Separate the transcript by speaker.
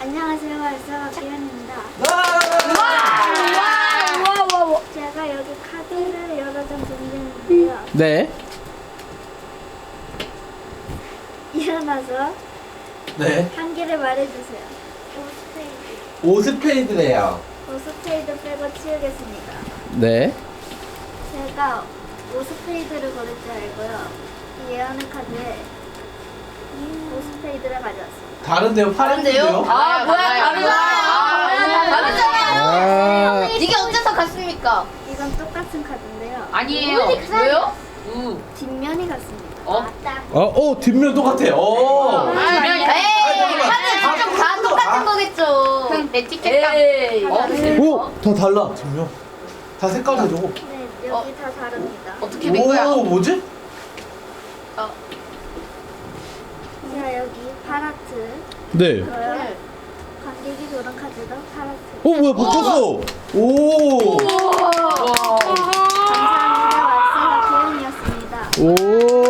Speaker 1: 안녕하세요. 알사가 기현입니다. 제가 여기 카드를 여러 장 준비했는데요.
Speaker 2: 네.
Speaker 1: 일어나서
Speaker 2: 네.
Speaker 1: 한 개를 말해주세요. 오스페이드.
Speaker 2: 오스페이드래요.
Speaker 1: 오스페이드 빼고 치우겠습니다.
Speaker 2: 네.
Speaker 1: 제가 오스페이드를 고를 줄 알고요. 이 예언의 카드에 오스페이드를 가져왔습니다.
Speaker 2: 다른데요? 파란데요?
Speaker 3: 아, 뭐야, 다르잖아요.
Speaker 2: 아.
Speaker 3: 이게 어째서 같습니까?
Speaker 1: 이건 똑같은 카드인데요.
Speaker 3: 아니에요. 왜요?
Speaker 1: 뒷면이 같습니다.
Speaker 2: 뒷면 똑같아. 오.
Speaker 3: 에이, 카드 좀 다 똑같은 거겠죠. 그럼 에티켓감.
Speaker 2: 오, 다 달라. 뒷면. 다 색깔 다르고.
Speaker 1: 네, 여기 다 다릅니다.
Speaker 3: 어떻게 된 거야?
Speaker 2: 오, 뭐지?
Speaker 1: 자, 여기 파라트.
Speaker 2: 네.
Speaker 1: 저요. 관객이 고른 카드도 파라트.
Speaker 2: 뭐야, 바뀌었어. 오.
Speaker 1: 감사합니다. 왈세가 기현이었습니다.
Speaker 2: 오.